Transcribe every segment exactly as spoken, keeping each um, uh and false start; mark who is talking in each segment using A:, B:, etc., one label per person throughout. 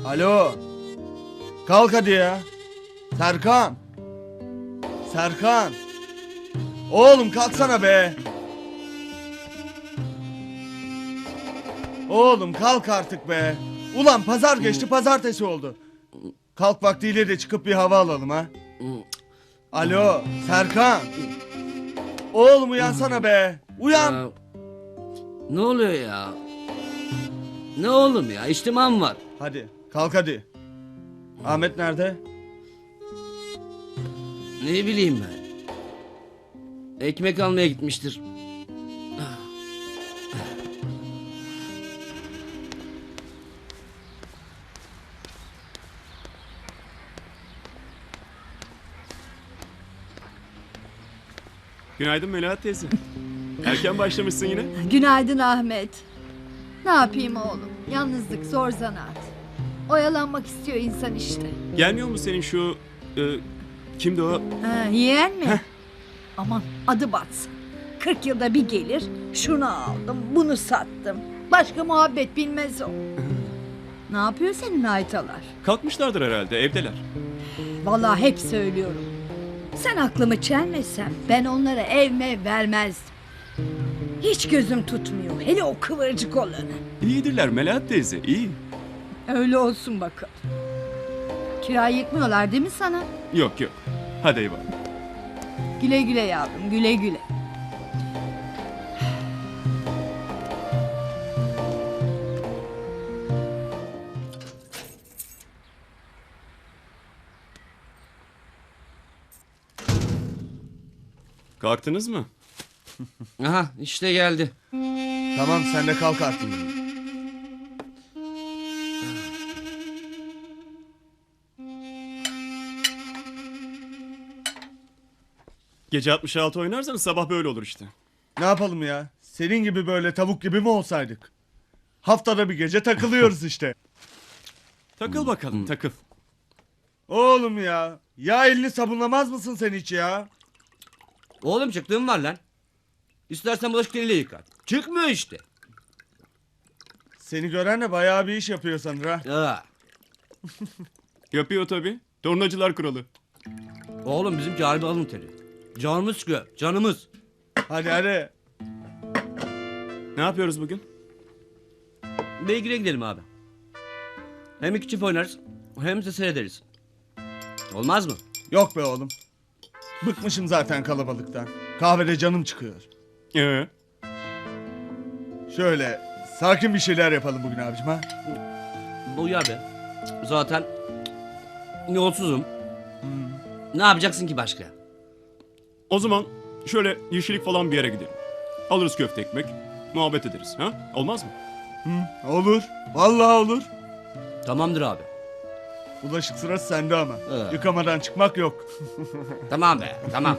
A: Alo. Kalk hadi ya. Serkan. Serkan. Oğlum kalksana be. Oğlum kalk artık be. Ulan pazar geçti, pazartesi oldu. Kalk vaktiyle de çıkıp bir hava alalım ha. Alo Serkan. Oğlum uyansana be. Uyan.
B: Ya, ne oluyor ya? Ne oğlum ya? İçtimam var.
A: Hadi kalk hadi. Ahmet nerede?
B: Ne bileyim ben. Ekmek almaya gitmiştir.
C: Günaydın Melahat teyze. Erken başlamışsın yine.
D: Günaydın Ahmet. Ne yapayım oğlum? Yalnızlık zor zanaat. Oyalanmak istiyor insan işte.
C: Gelmiyor mu senin şu... E, kimdi o?
D: Ha, yeğen mi? Aman adı batsın. Kırk yılda bir gelir. Şunu aldım, bunu sattım. Başka muhabbet bilmez o. Ne yapıyor senin haytalar?
C: Kalkmışlardır herhalde, evdeler.
D: Vallahi hep söylüyorum. Sen aklımı çelmesen ben onlara ev mev vermezdim. Hiç gözüm tutmuyor. Hele o kıvırcık olanı.
C: İyidirler Melahat teyze, iyi.
D: Öyle olsun bakalım. Kira yıkmıyorlar değil mi sana?
C: Yok yok. Hadi eyvallah.
D: Güle güle yavrum, güle güle.
C: Kalktınız mı?
B: Aha işte geldi.
A: Tamam sen de kalk artık.
C: Gece altmış altı oynarsanız sabah böyle olur işte.
A: Ne yapalım ya? Senin gibi böyle tavuk gibi mi olsaydık? Haftada bir gece takılıyoruz işte.
C: Takıl bakalım, takıl.
A: Oğlum ya. Ya elini sabunlamaz mısın sen hiç ya?
B: Oğlum çıktığım var lan. İstersen bulaşık eliyle yıkar. Çıkmıyor işte.
A: Seni gören de bayağı bir iş yapıyor sanır ha.
B: Aa.
C: Yapıyor tabii. Tornacılar kralı.
B: Oğlum bizimki harbi alın teri. Canımız sıkıyor. Canımız.
A: Hadi hadi.
C: Ne yapıyoruz bugün?
B: Beygir'e gidelim abi. Hem iki çift oynarız hem de seyrederiz. Olmaz mı?
A: Yok be oğlum. Bıkmışım zaten kalabalıktan. Kahvede canım çıkıyor.
C: Ee,
A: Şöyle sakin bir şeyler yapalım bugün abicim ha.
B: Uyar be. Zaten yolsuzum. Ne yapacaksın ki başka?
C: o zaman şöyle yeşillik falan bir yere gidelim. Alırız köfte ekmek, muhabbet ederiz. Ha? Olmaz mı?
A: Hı, olur. Vallahi olur.
B: Tamamdır abi.
A: Bulaşık sırası sende ama.
B: Evet.
A: Yıkamadan çıkmak yok.
B: Tamam be. Tamam.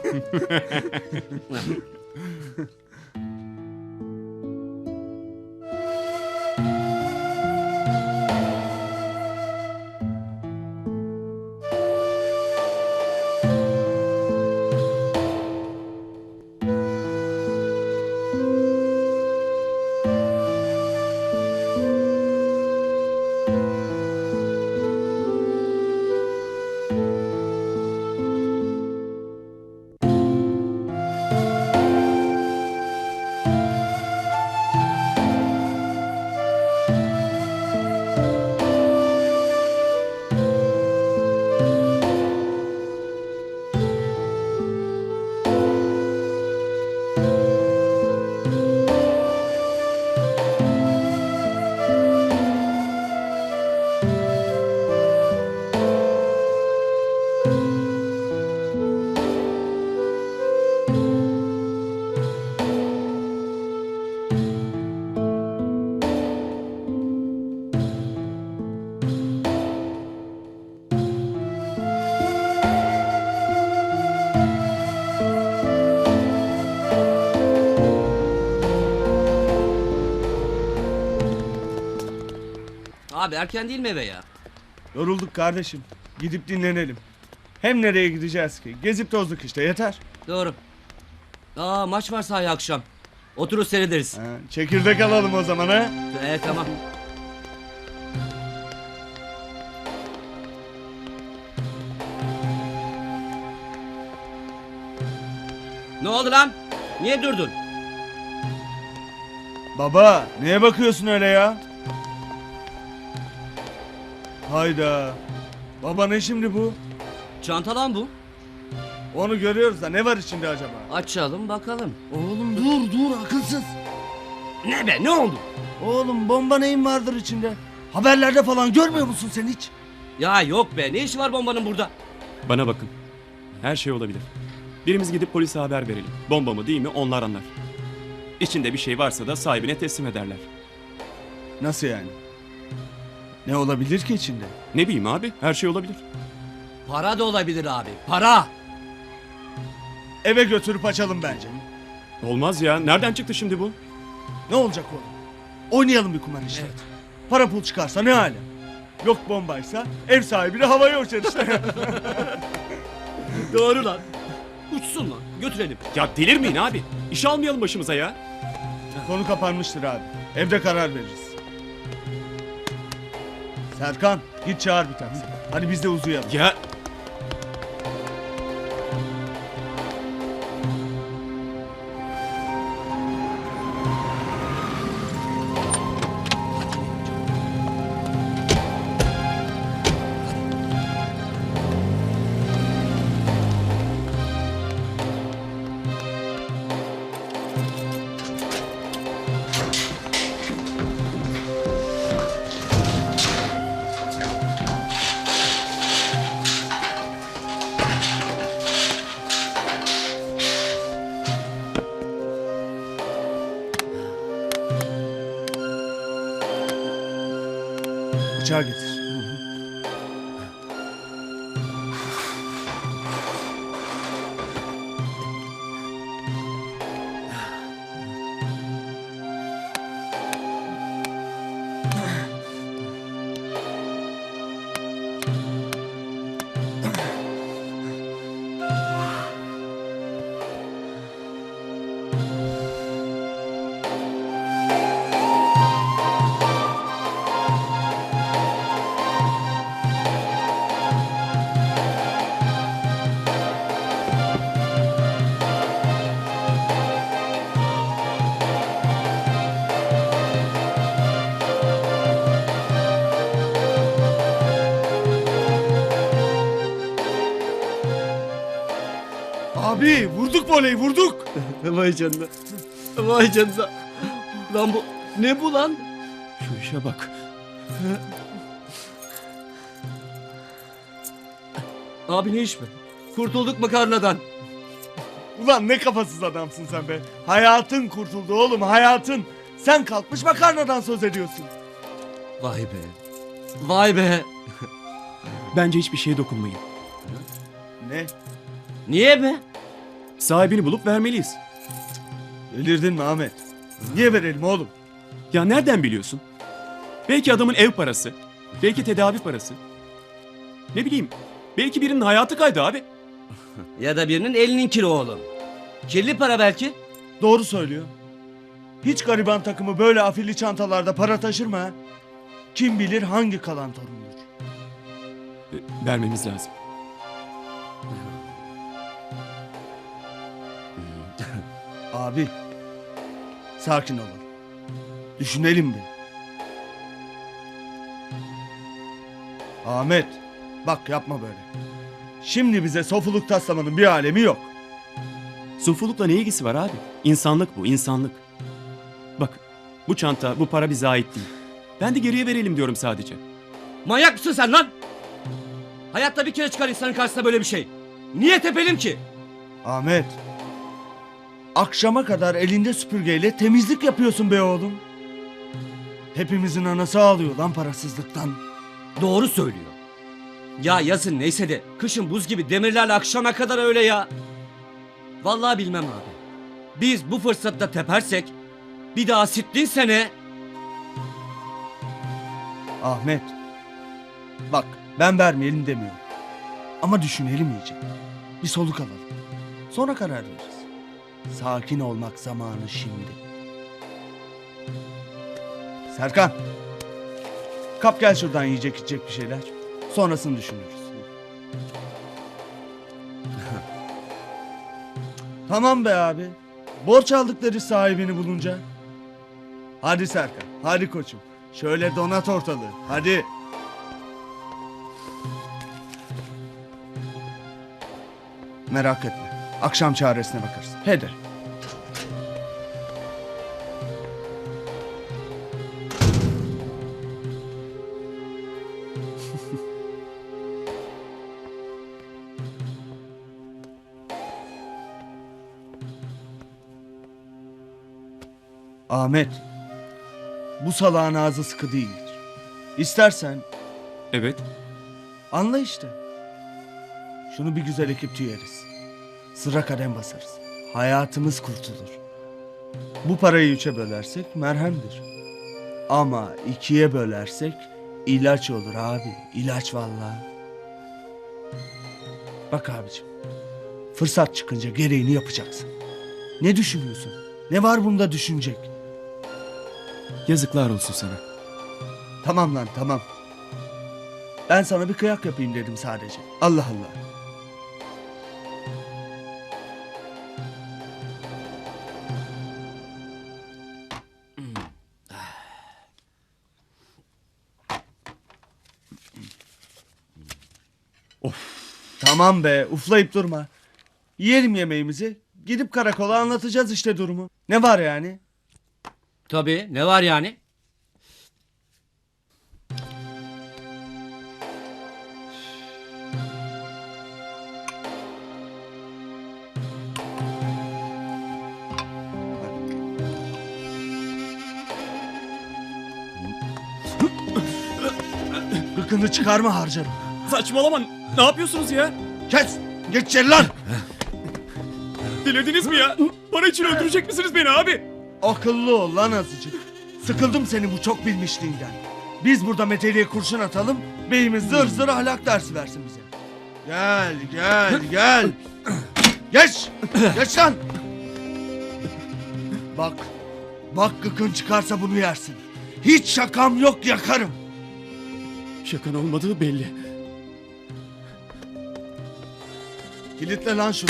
B: Abi erken değil mi eve ya?
A: Yorulduk kardeşim. Gidip dinlenelim. Hem nereye gideceğiz ki? Gezip tozduk işte yeter.
B: Doğru. Aa maç var sahaya akşam. Oturur seyrederiz.
A: Ha, çekirdek alalım o zaman ha.
B: Evet tamam. Ne oldu lan? Niye durdun?
A: Baba neye bakıyorsun öyle ya? Hayda. Baba ne şimdi bu?
B: Çanta lan bu.
A: Onu görüyoruz da ne var içinde acaba?
B: Açalım bakalım.
A: Oğlum dur dur akılsız.
B: Ne be ne oldu?
A: Oğlum bomba neyin vardır içinde? Haberlerde falan görmüyor musun sen hiç?
B: Ya yok be ne işi var bombanın burada?
C: Bana bakın. Her şey olabilir. Birimiz gidip polise haber verelim. Bomba mı değil mi onlar anlar. İçinde bir şey varsa da sahibine teslim ederler.
A: Nasıl yani? Ne olabilir ki içinde?
C: Ne bileyim abi, her şey olabilir.
B: Para da olabilir abi. Para.
A: Eve götürüp açalım bence.
C: Olmaz ya, nereden çıktı şimdi bu?
A: Ne olacak oğlum? Oynayalım bir kumar işte.
B: Evet.
A: Para pul çıkarsa ne hale? Yok bombaysa ev sahibini havaya uçar işte.
B: Doğru lan. Uçsun lan. Götürelim.
C: Ya delirmeyin abi. İş almayalım başımıza ya.
A: Konu kapanmıştır abi. Evde karar veririz. Serkan git çağır bir taksi. Hadi biz de uzayalım.
C: Ya
A: Bıçağı getir. Abi vurduk voleyi vurduk.
B: Vay canına. Vay canına. Lan bu ne bu lan?
C: şu işe bak.
B: Abi ne iş be? Kurtulduk makarnadan.
A: Ulan ne kafasız adamsın sen be. Hayatın kurtuldu oğlum hayatın. Sen kalkmış makarnadan söz ediyorsun.
B: Vay be. Vay be.
C: Bence hiçbir şeye dokunmayın.
A: Ne?
B: Niye be?
C: Sahibini bulup vermeliyiz.
A: Delirdin mi Ahmet? Niye verelim oğlum?
C: Ya nereden biliyorsun? Belki adamın ev parası. Belki tedavi parası. Ne bileyim. Belki birinin hayatı kaydı abi.
B: Ya da birinin elinin kiri oğlum. Kirli para belki.
A: Doğru söylüyor. Hiç gariban takımı böyle afilli çantalarda para taşır mı ha? Kim bilir hangi kalan torundur.
C: E, vermemiz lazım.
A: Abi sakin olalım. Düşünelim bir. Ahmet bak yapma böyle. Şimdi bize sofuluk taslamanın bir alemi yok.
C: Sufulukla ne ilgisi var abi? İnsanlık bu, insanlık. Bak, bu çanta, bu para bize ait değil. Ben de geriye verelim diyorum sadece.
B: Manyak mısın sen lan? Hayatta bir kere çıkar insanın karşısına böyle bir şey. Niye tepelim ki?
A: Ahmet. Akşama kadar elinde süpürgeyle temizlik yapıyorsun be oğlum. Hepimizin anası ağlıyor lan parasızlıktan.
B: Doğru söylüyor. Ya yazın neyse de kışın buz gibi demirlerle akşama kadar öyle ya. Vallahi bilmem abi. Biz bu fırsatta tepersek bir daha sittin sene.
A: Ahmet. Bak ben vermeyelim demiyorum. Ama düşünelim iyice. Bir soluk alalım. Sonra karar veririz. Sakin olmak zamanı şimdi. Serkan. Kap gel şuradan yiyecek içecek bir şeyler. Sonrasını düşünürüz. Tamam be abi. Borç aldıkları sahibini bulunca. Hadi Serkan, hadi koçum. Şöyle donat ortalığı, hadi. Merak etme, akşam çaresine bakarız. Hadi. Ahmet, bu salağın ağzı sıkı değildir. İstersen
C: Evet.
A: anla işte. Şunu bir güzel ekip tüyeriz. Sıra kadem basarız. Hayatımız kurtulur. Bu parayı üçe bölersek merhemdir. Ama ikiye bölersek ilaç olur abi. İlaç vallahi. Bak abicim. Fırsat çıkınca gereğini yapacaksın. Ne düşünüyorsun? Ne var bunda düşünecek?
C: Yazıklar olsun sana.
A: Tamam lan tamam. Ben sana bir kıyak yapayım dedim sadece. Allah Allah. Of. Tamam be, uflayıp durma. Yiyelim yemeğimizi. Gidip karakola anlatacağız işte durumu. Ne var yani?
B: Tabii, ne var yani?
A: Gıkını çıkarma harcarım.
C: Saçmalama. Ne yapıyorsunuz ya?
A: Kes! Geç içeri lan!
C: Delirdiniz mi ya? Para için öldürecek misiniz beni abi?
A: Akıllı ol lan azıcık. Sıkıldım senin bu çok bilmişliğinden. Biz burada meteliğe kurşun atalım, beyimiz zır zır ahlak dersi versin bize. Gel, gel, gel. Geç! Geç lan! Bak, bak gıkın çıkarsa bunu yersin. Hiç şakam yok, yakarım.
C: Şakan olmadığı belli.
A: Kilitle lan şunu.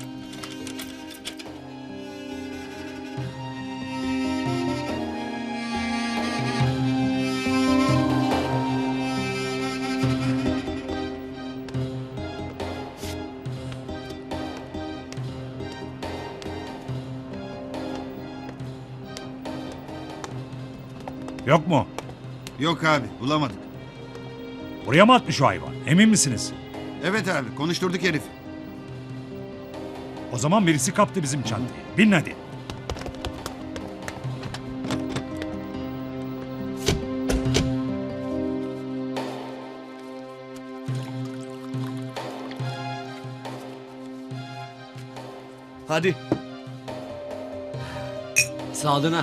E: Yok mu?
F: Yok abi bulamadık.
E: Buraya mı atmış o hayvan? Emin misiniz?
F: Evet abi konuşturduk herifi.
E: O zaman birisi kaptı bizim çantayı. Bin hadi.
A: Hadi.
B: Sağlığına.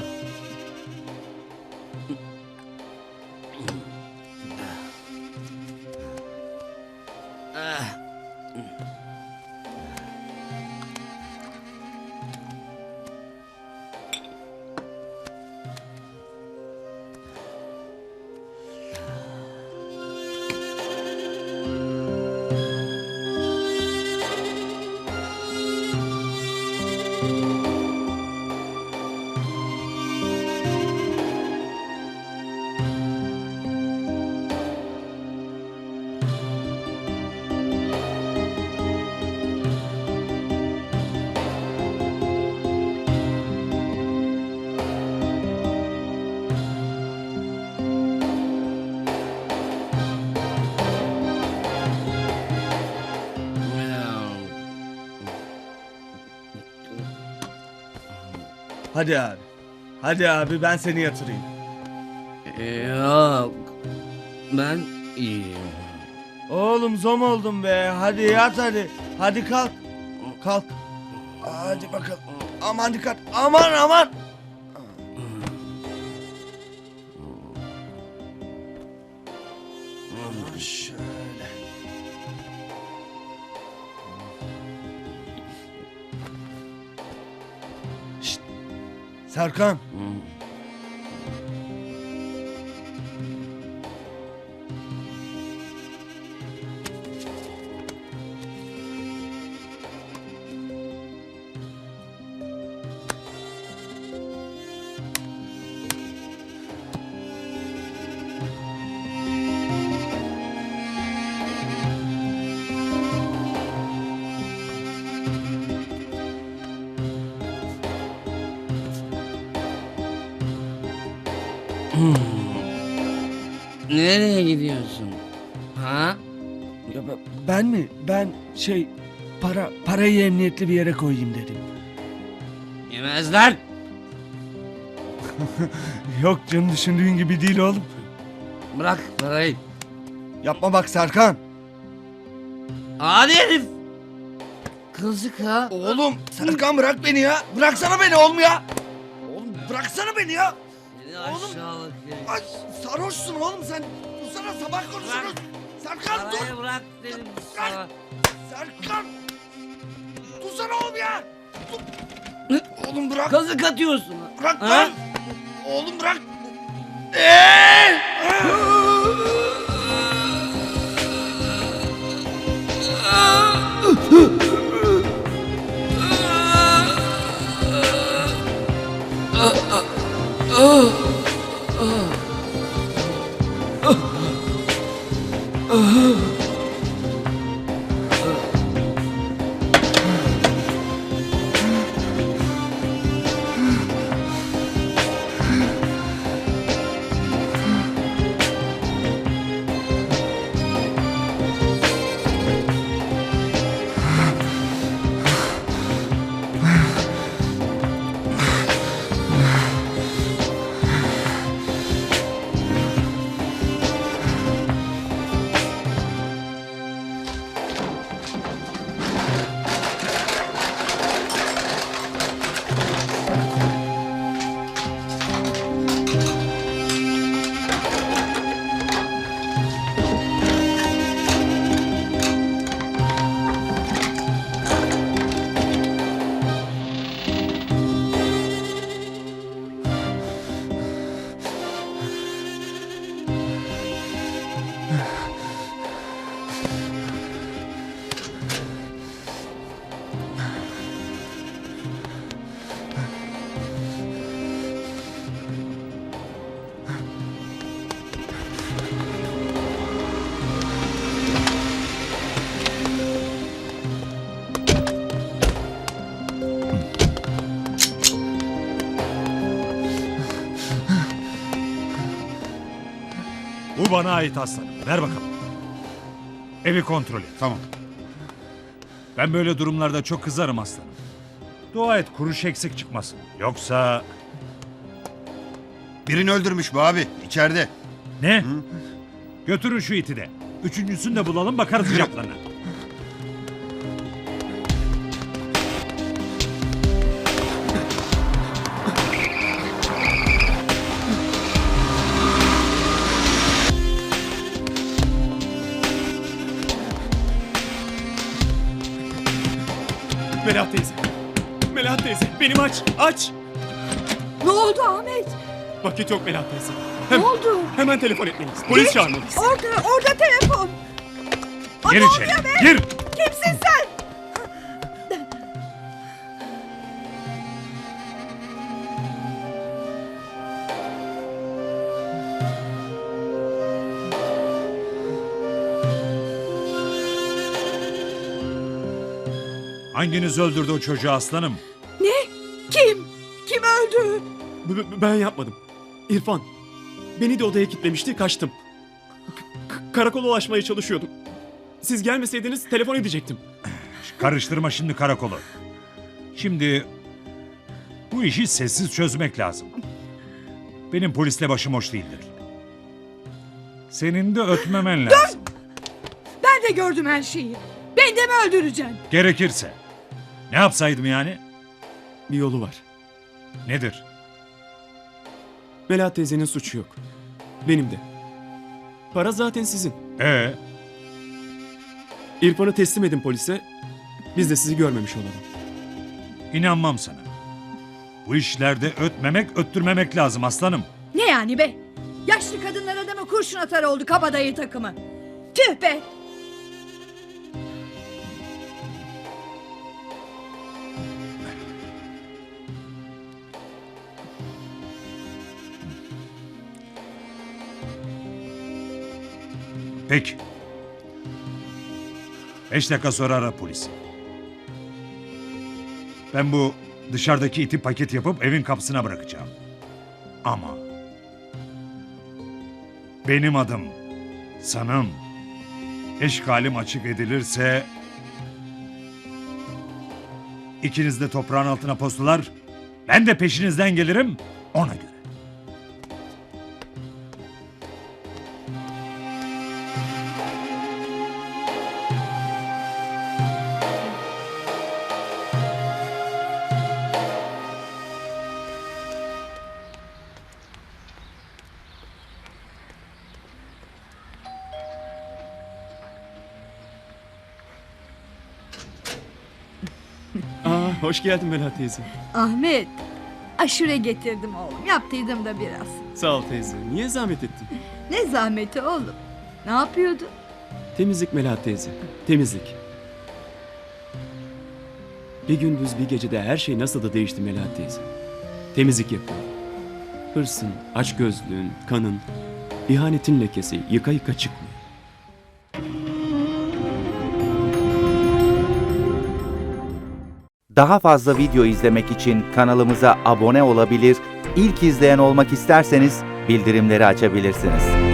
A: Hadi abi. Hadi abi ben seni yatırayım.
B: Yok. Ben iyiyim.
A: Oğlum zom oldum be. Hadi yat hadi. Hadi kalk. Kalk. Hadi bakalım. Aman dikkat. Aman aman. Aman şöyle. Şşt. Serkan.
B: Nereye gidiyorsun? Ha?
A: Ya ben- ben mi? Ben şey para parayı emniyetli bir yere koyayım dedim.
B: Yemezler.
A: Yok canım düşündüğün gibi değil oğlum.
B: Bırak parayı.
A: Yapma bak Serkan.
B: Hadi herif. Kızık ha.
A: Oğlum Serkan bırak beni ya. Bıraksana beni oğlum ya. Oğlum bıraksana beni ya.
B: Seni
A: Oğlum.
B: aşağılık herif.
A: Ay sarhoşsun oğlum sen. Dursana sabah konuşuruz. Serkan dur.
B: Parayı bırak dedim sana.
A: Serkan. Dursana oğlum ya. Dur. Oğlum bırak.
B: Kazık atıyorsun. ha.
A: Bırak
B: Ha?
A: lan. Oğlum bırak. Eee!
E: Bu bana ait aslanım. Ver bakalım. Evi kontrol et.
F: Tamam.
E: Ben böyle durumlarda çok kızarım aslanım. Dua et kuruş eksik çıkmasın. Yoksa...
F: Birini öldürmüş bu abi. İçeride.
E: Ne? Götürün şu iti de. Üçüncüsünü de bulalım bakarız icaplarına.
C: Melahat teyze. Melahat teyze benim aç aç.
D: Ne oldu Ahmet?
C: Vakit yok Melahat teyze.
D: Ne
C: Hem,
D: oldu?
C: hemen telefon etmeliyiz. Polis çağırmalıyız.
D: Orada, orada telefon. Aa,
E: Gir
D: ne
E: içeri.
D: oluyor be?
E: Gir.
D: Kimsin sen?
E: Hanginiz öldürdü o çocuğu aslanım?
D: Ne? Kim? Kim öldü?
C: B- b- ben yapmadım. İrfan. Beni de odaya kilitlemişti kaçtım. K- karakola ulaşmaya çalışıyordum. Siz gelmeseydiniz telefon edecektim.
E: Karıştırma şimdi karakolu. Şimdi bu işi sessiz çözmek lazım. Benim polisle başım hoş değildir. Senin de ötmemen lazım.
D: Ben de gördüm her şeyi. Beni de mi öldüreceksin?
E: Gerekirse. Ne yapsaydım yani?
C: Bir yolu var.
E: Nedir?
C: Melahat teyzenin suçu yok. Benim de. Para zaten sizin.
E: Ee,
C: İrfan'ı teslim edin polise. Biz de sizi görmemiş olalım.
E: inanmam sana. Bu işlerde ötmemek, öttürmemek lazım aslanım.
D: Ne yani be? Yaşlı kadınlar adamı kurşun atar oldu kabadayı takımı. Tüh be!
E: Peki. Beş dakika sonra ara polisi. Ben bu dışarıdaki iti paket yapıp evin kapısına bırakacağım. Ama benim adım. Sanım. Eşkalim açık edilirse... ikiniz de toprağın altına postular. Ben de peşinizden gelirim ona göre.
C: Aa, hoş geldin Melahat teyze.
D: Ahmet, aşure getirdim oğlum. Yaptıydım da biraz.
C: Sağ ol teyze. Niye zahmet ettin?
D: Ne zahmeti oğlum. Ne yapıyordun?
C: Temizlik Melahat teyze. Temizlik. Bir gündüz bir gecede her şey nasıl da değişti Melahat teyze. Temizlik yapıyor. Hırsın, açgözlüğün, kanın, ihanetin lekesi yıka yıka çıkmıyor.
G: Daha fazla video izlemek için kanalımıza abone olabilir, ilk izleyen olmak isterseniz bildirimleri açabilirsiniz.